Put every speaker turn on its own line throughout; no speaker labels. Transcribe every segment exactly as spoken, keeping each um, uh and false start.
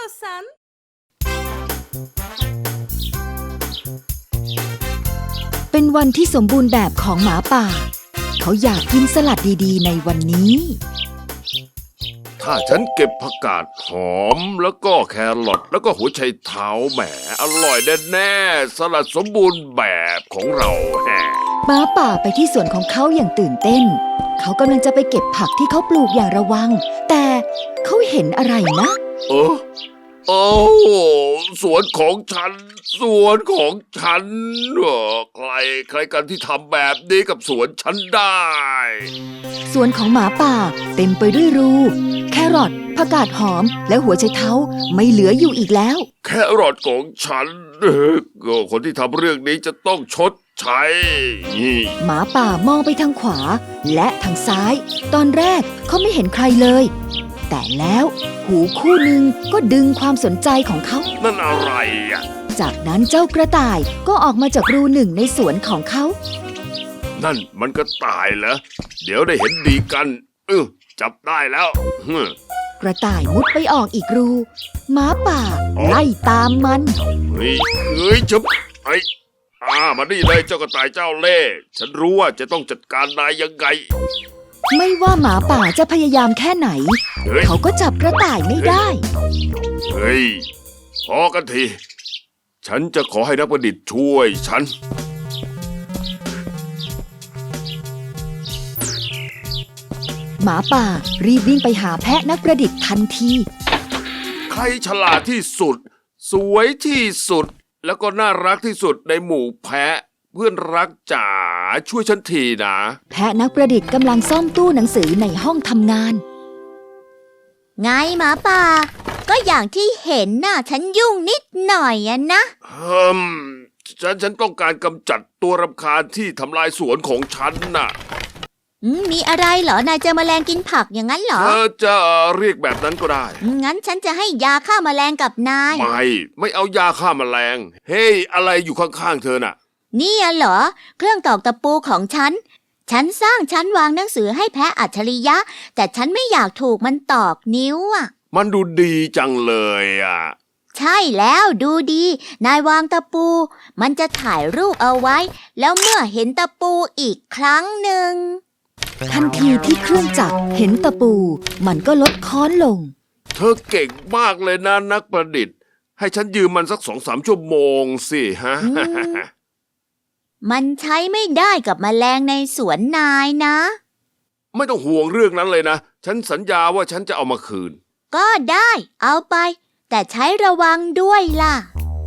istiyorsan.
เป็นวันที่สมบูรณ์แบบของหมาป่าเขาอยากกินสลัดดีๆในวันนี้
ถ้าฉันเก็บผักกาดหอมแล้วก็แครอทแล้วก็หัวไชเท้าแหมอร่อยแน่ๆสลัดสมบูรณ์แบบของเราแฮะ
หมาป่าไปที่สวนของเขาอย่างตื่นเต้นเขากำลังจะไปเก็บผักที่เขาปลูกอย่างระวังแต่เขาเห็นอะไรนะ
เออโอ้สวนของฉันสวนของฉันเหรอใครใครกันที่ทำแบบนี้กับสวนฉันได้
สวนของหมาป่าเต็มไปด้วยรูแครอทผักกาดหอมและหัวไชเท้าไม่เหลืออยู่อีกแล้ว
แครอทของฉันเออก็คนที่ทำเรื่องนี้จะต้องชดใช้นี่
หมาป่ามองไปทางขวาและทางซ้าย ตอนแรกเขาไม่เห็นใครเลย แต่แล้วหูคู่หนึ่งก็ดึงความสนใจของเขา
นั่นอะไรอ่ะ
จากนั้นเจ้ากระต่ายก็ออกมาจากรูหนึ่งในสวนของเขา
นั่นมันก็ตายเหรอเดี๋ยวได้เห็นดีกันเออจับได้แล้วฮึม
กระต่ายมุดไปออกอีกรูหมาป่าไล่ตามมัน
เฮ้ยเฮ้ยจับไอ้อ่ามานี่เลยเจ้ากระต่ายเจ้าเล่ห์ฉันรู้ว่าจะต้องจัดการนายยังไง
ไม่ว่าหมาป่าจะพยายามแค่ไหน
เฮ้ย
เขาก็จับกระต่ายไม่ได้
เฮ้ยพอกันทีฉันจะขอให้นักประดิษฐ์ช่วยฉัน
หมาป่ารีบวิ่งไปหาแพะนักประดิษฐ์ทันที
ใครฉลาดที่สุด สวยที่สุด แล้วก็น่ารักที่สุดในหมู่แพะ เพื่อนรักจ๋าช่วยฉันทีนะ
แพะนักประดิษฐ์กำลังซ่อมตู้หนังสือในห้องทำงาน
ไงหมาป่า ก็อย่างที่เห็นน่ะฉันยุ่งนิดหน่อยอะนะ
เฮิมฉันฉันต้องการกำจัดตัวรำคาญที่ทำลายสวนของฉันน่ะ
อืมมีอะไรเหรอนายเจอแมลงกินผักอย่างนั้นเหรอ
เธอจะเรียกแบบนั้นก็ได้
อืมงั้นฉันจะให้ยาฆ่าแมลงกับนาย
ไม่ ไม่เอายาฆ่าแมลง เฮ้ยอะไรอยู่ข้างๆเธอน่ะ
นี่อะเหรอ เครื่องตอกตะปูของฉัน ฉันสร้างชั้นวางหนังสือให้แพะอัจฉริยะ แต่ฉันไม่อยากถูกมันตอกนิ้วอะ
มันดูดีจังเลยอ่ะ
ใช่แล้วดูดี นายวางตะปู มันจะถ่ายรูปเอาไว้ แล้วเมื่อเห็นตะปูอีกครั้งหนึ่ง
ทันทีที่เครื่องจักรเห็นตะปู มันก็ลดค้อนลง
เธอเก่งมากเลยนะนักประดิษฐ์ ให้ฉันยืมมันสักสองสามชั่วโมงสิฮะ
อืม มันใช้ไม่ได้กับแมลงในสวนนายนะ
ไม่ต้องห่วงเรื่องนั้นเลยนะ ฉันสัญญาว่าฉันจะเอามาคืน
ก็ได้ เอาไป แต่ใช้ระวังด้วยล่ะ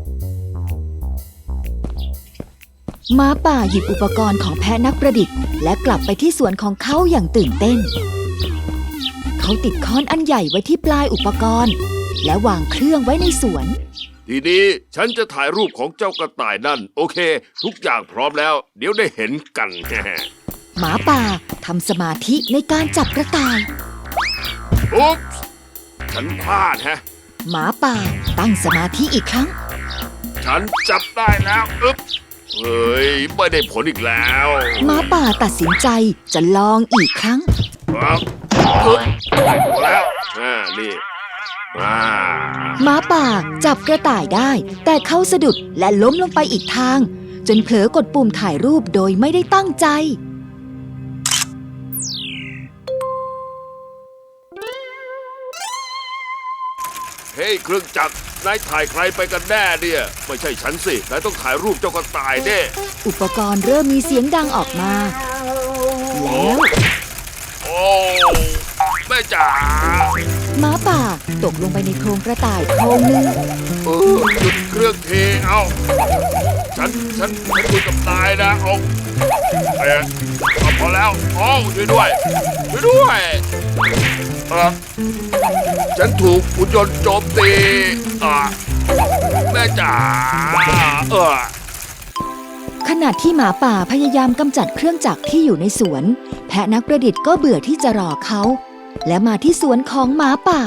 หมาป่าหยิบอุปกรณ์ของแพะนักประดิษฐ์และกลับไปที่สวนของเขาอย่างตื่นเต้น เขาติดค้อนอันใหญ่ไว้ที่ปลายอุปกรณ์ และวางเครื่องไว้ในสวน
ทีนี้ฉันจะถ่ายรูปของเจ้ากระต่ายนั่น โอเค ทุกอย่างพร้อมแล้ว เดี๋ยวได้เห็นกัน
หมาป่าทำสมาธิในการจับกระต่าย
อุ๊บฉันพลาดฮะ
หมาป่าตั้งสมาธิอีกครั้ง
ฉันจับได้แล้วอึ๊บเฮ้ยไม่ได้ผลอีกแล้ว
หมาป่าตัดสินใจจะลองอีกครั้ง
ครับอึ๊บได้ผลแล้วอ่านี่อ่า
หมาป่าจับกระต่ายได้ แต่เขาสะดุดและล้มลงไปอีกทาง จนเผลอกดปุ่มถ่ายรูปโดยไม่ได้ตั้งใจ
เฮ้ยเครื่องจักรนายถ่ายใครไปกันแน่เนี่ยไม่ใช่ฉันสินายต้องถ่ายรูปเจ้ากระต่ายเด้
อุปกรณ์เริ่มมีเสียงดังออกมา แล้ว
โอ้แม่จ๋า
หมาป่าตกลงไปในโพรงกระต่ายโพรงหนึ่ง
เออหยุดเครื่องเทเอาฉันฉันฉันคุยกับนายนะเอาเอ๊ะเอาพอแล้วโอ้ช่วยด้วยช่วยด้วยเออฉันถูกหุ่นยนต์โจมตีอ่ะแม่จ๋าเออ
ขณะที่หมาป่าพยายามกำจัดเครื่องจักรที่อยู่ในสวน แพะนักประดิษฐ์ก็เบื่อที่จะรอเขา และมาที่สวนของหมาป่า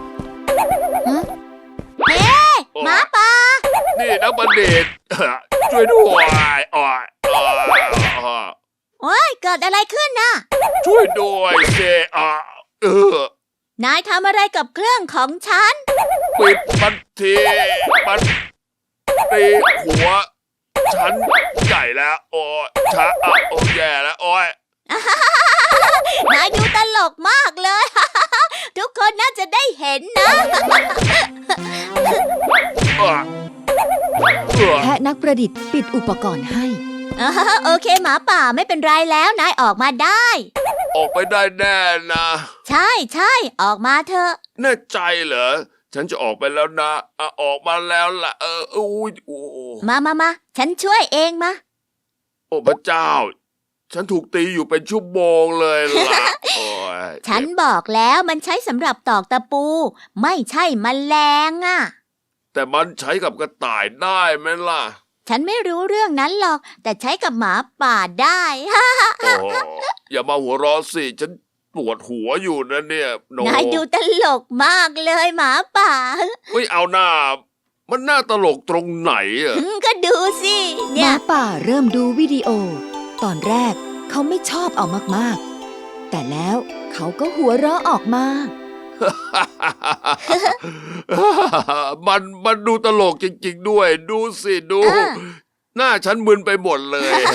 เฮ้ หมาป่า
นี่นักบัณฑิตช่วยด้วยอ่อยอ่อยอ่อย
โอ้ยเกิดอะไรขึ้นน่ะ
ช่วยด้วยเซอ่ะเออ
นายทำอะไรกับเครื่องของฉัน
ปิดมันทีมันตีหัวฉันใหญ่แล้วโอ้ยช้าอ่ะโอ้ยแย่แล้วโอ้ย
นายดูตลกมากเลย ทุกคนน่าจะได้เห็นนะ
เออเออ
แพะนักประดิษฐ์ปิดอุปกรณ์ให้
อ่าโอเคหมาป่าไม่เป็นไรแล้วนายออกมาได้
ออกไปได้แน่นะ
ใช่ใช่ออกมาเถอะ
แน่ใจเหรอฉันจะออกไปแล้วนะอ่ะออกมาแล้วล่ะเอออุ้ยโอ้
มามามาฉันช่วยเองมา
โอ้พระเจ้า ฉันถูกตีอยู่เป็นชั่วโมงเลยล่ะโอ้ย
ฉันบอกแล้วมันใช้สำหรับตอกตะปู ไม่ใช่แมลงอ่ะ
แต่มันใช้กับกระต่ายได้ไหมล่ะ
ฉันไม่รู้เรื่องนั้นหรอก แต่ใช้กับหมาป่าได้
โอ้อย่ามาหัวเราะสิฉันปวดหัวอยู่นะเนี่ยโน
นายดูตลกมากเลยหมาป่า
ไม่เอาหน้า มันน่าตลกตรงไหนอะ
ก็ดูสิ
ห
เนี่
มาย ป่าเริ่มดูวิดีโอ ตอนแรกเขาไม่ชอบเอามากๆ แต่แล้วเขาก็หัวเราะออกมา
มันมันดูตลกจริงๆด้วย ดูสิดู
อ่า
หน้าฉันมึนไปหมดเลย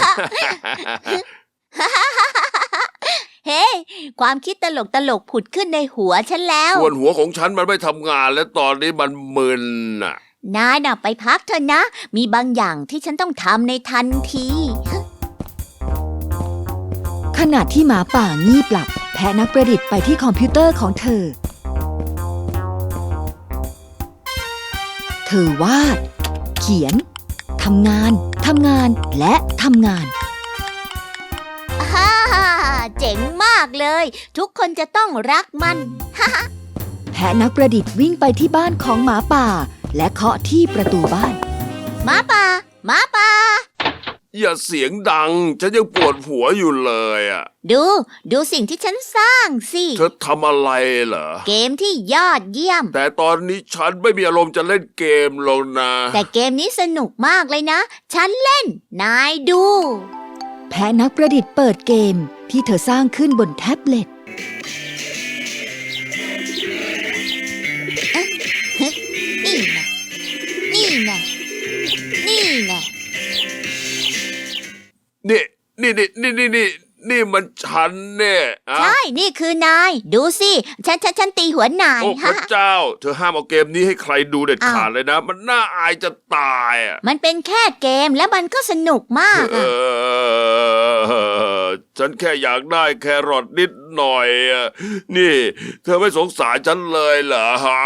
เฮ้ ความคิดตลกตลกผุดขึ้นในหัวฉันแล้ว
ส่วนหัวของฉันมันไม่ทำงานและตอนนี้มันมึนน่ะ
นายน่ะไปพักเถอะนะ มีบางอย่างที่ฉันต้องทำในทันที
ขณะที่หมาป่างีบหลับ แพะนักประดิษฐ์ไปที่คอมพิวเตอร์ของเธอ เธอวาด เขียน ทำงาน ทำงาน และทำงาน
ฮ่าเจ๋งมากเลย ทุกคนจะต้องรักมัน
แพะนักประดิษฐ์วิ่งไปที่บ้านของหมาป่า และเคาะที่ประตูบ้าน
หมาป่าหมาป่า
อย่าเสียงดัง ฉันยังปวดหัวอยู่เลยอ่ะ
ดู ดูสิ่งที่ฉันสร้างสิ
เธอทำอะไรเหรอ
เกมที่ยอดเยี่ยม
แต่ตอนนี้ฉันไม่มีอารมณ์จะเล่นเกมหรอกนะ
แต่เกมนี้สนุกมากเลยนะ ฉันเล่น นายดู
แพะนักประดิษฐ์เปิดเกมที่เธอสร้างขึ้นบนแท็บเล็ต
นี่ไงนี่ไงนี่ไง
นี่นี่นี่นี่นี่นี่นี่มันฉันเนี่ยอะ
ใช่ นี่คือนาย ดูสิ ฉันฉันฉันตีหัวนาย
โอ้พระเจ้า เธอห้ามเอาเกมนี้ให้ใครดูเด็ดขาดเลยนะ มันน่าอายจะตายอ่ะ
มันเป็นแค่เกมแล้วมันก็สนุกมาก
เอ
อะ
อฉันแค่อยากได้แครอทนิดหน่อยอะนี่ เธอไม่สงสารฉันเลยเหรอฮะ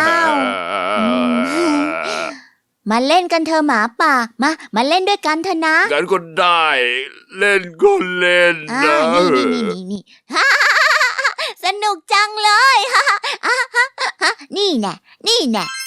มาเล่นกันเธอะหมาป่า มา มาเล่นด้วยกันเถอะนะ
งั้นก็ได้ เล่นก็เล่น
อ่า
นะ
นี่นี่นี่นี่นี่ สนุกจังเลย นี่แน่นี่แน่